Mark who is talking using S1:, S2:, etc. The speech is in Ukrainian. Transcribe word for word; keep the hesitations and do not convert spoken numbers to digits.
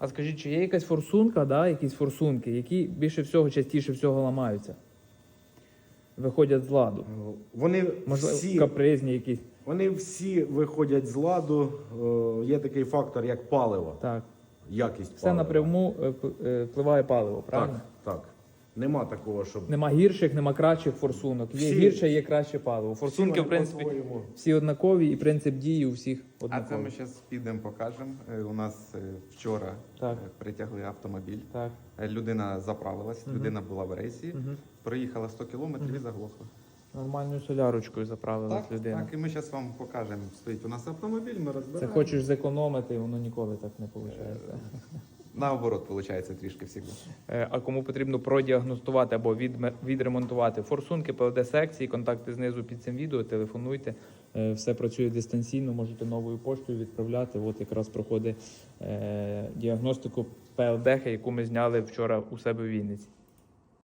S1: А скажіть, чи є якась форсунка, да, якісь форсунки, які більше всього, частіше всього ламаються? Виходять з ладу?
S2: Вони
S1: Можливо,
S2: всі,
S1: капризні якісь?
S2: вони всі виходять з ладу. Е, Є такий фактор, як паливо,
S1: Так.
S2: якість
S1: Все
S2: палива.
S1: напряму е, п- е, впливає паливо, правильно?
S2: Так, так. Нема такого, щоб...
S1: Нема гірших, нема кращих форсунок. Є
S2: Всі-
S1: гірше, є краще паливо. Форсунки,
S2: вони
S1: в принципі,
S2: по-своєму.
S1: всі однакові і принцип дії у всіх
S3: А це
S1: однаковий.
S3: ми зараз підемо, покажемо. Е, У нас е, вчора
S1: Так.
S3: е, притягли автомобіль.
S1: Так.
S3: Е, Людина заправилась,
S1: Мгм.
S3: людина була в рейсі,
S1: Мгм.
S3: проїхала сто кілометрів і заглохла.
S1: Нормальною солярочкою заправилась
S3: Так,
S1: людина.
S3: так, і ми зараз вам покажемо. Стоїть у нас автомобіль, ми
S1: Це
S3: розбираємо.
S1: хочеш зекономити, воно ніколи так не виходить.
S3: Наоборот, виходить трішки завжди.
S1: Е, А кому потрібно продіагностувати або відме- відремонтувати форсунки, ПЛД-секції, контакти знизу під цим відео, телефонуйте. Е, Все працює дистанційно, можете новою поштою відправляти. От якраз проходить е, діагностику ПЛД, яку ми зняли вчора у себе в Вінниці.